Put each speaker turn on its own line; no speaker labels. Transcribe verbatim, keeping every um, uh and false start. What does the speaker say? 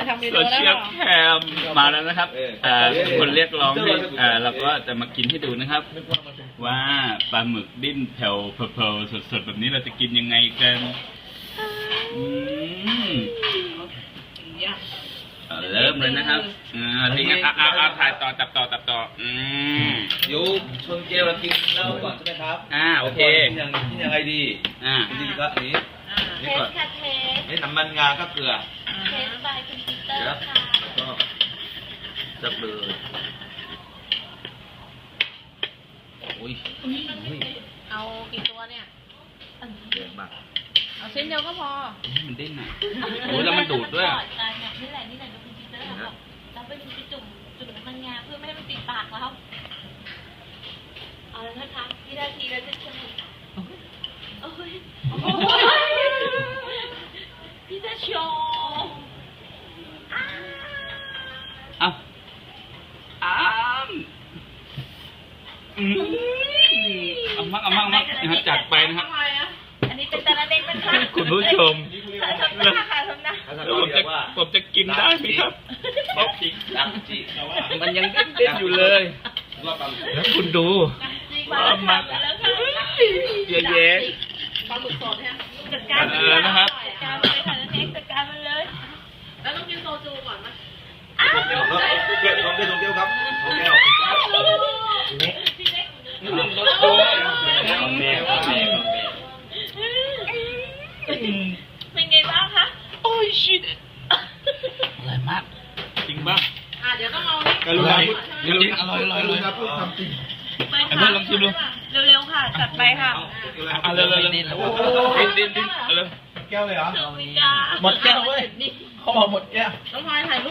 ทำเม
โซ
นูแล้ว
เชียลแคมมาแล้วนะครับอ่าคนเรียกร้องให้อ่าเราก็จะมากินให้ดูนะครับ ว่าปลาหมึกดิ้นแผ่วเพลวๆสดๆแบบนี้เราจะกินยังไงกันอืมเอาเริ่มเลยนะครับอ่าทีนี้อ่ะอ่ะอ่ะถ่ายต่อตับต่อตับต่ออืม
เดี๋ยวชนเกลเรากินเหล้าก่อนใช่ไหมครับ
อ่าโอเค
กินยังกินยังไงดี
อ่า
จริงๆก็อันนี้
เท
นี่
ส
ก่อน
ค่ะเทส
นี่น้ำมันงาก็เกลือ
เทสบายคุณปีเตอ
เดี๋ยว
ร์ค่ะ
แล้วก็จับเลยโอ้ย
เอากี่ตัวเนี่ย
เยอะมาก
เอาชิ้นเดียวก็พอ
มันดิ้นอ่ะโอ้ยแล้วมันดูดด้วย
ก่อนกันเนี่ยนี่แหละนี่แหละดูคุณปีเตอร์บอกเราไปดูจุ่มจุ่มน้ำมันงาเพื่อไม่ให้มันติดปากแล้วเอาแล้วนะคะวินาทีแล้วจะเฉลยโอ้ยโอ้ยพี่จะโชว์อ้า
เอาอ้ามอืมเอามากเอามากเอามากนะครับจัดไปนะครับ
อันนี้เป็นตาลาเล็กนะคะ
คุณผู้ชม
ทำหน้าค่ะทำหน้า
ถ้า
แล้วผมจะผมจะกินได้ไหมครับ
ป๊อปจิดังจิ
มันยังเด้นๆอยู่เลย
รอบตำ
แล้วคุณดู
จีบมาแล้วค่ะแล้วค่ะ
เยอะแยะ
ปลาหมึกสดฮะ
จัดการมันเลยจัดการมันเลยค่ะนั่นเองจัดการมันเลย
แล้วต้องกินโซจูก่อนไหม
อ้าว
ชนเกลครับเกลชนเกลชนเกลครับชนเกล
พี่เล็ก
รสด้วย
ของแม่ของแม่ของแม่
เป็นไงบ้างคะ
โอ้ยชิดอร่อยมาก จริงป่ะ
อ่ะเดี๋ยวต้องเอานี่
อร่อยจริงๆอร่อยอร่อยอร่อย
พูดคำจริง
ไป
ไอ้
ค่ะ
เพื่อนลองชิมดู
เร็วๆค่ะจัดไปค่ะ
เอาเร็วเร็วเร็วดิ้นดิ้นดิ้นเอาเร็ว
แก้วเลยเหรอ
เดี๋ยวมีกา
หมดแก้วเว้ยเขาบอกหมดแก้ว
ต้องพลอยถ่ายรูป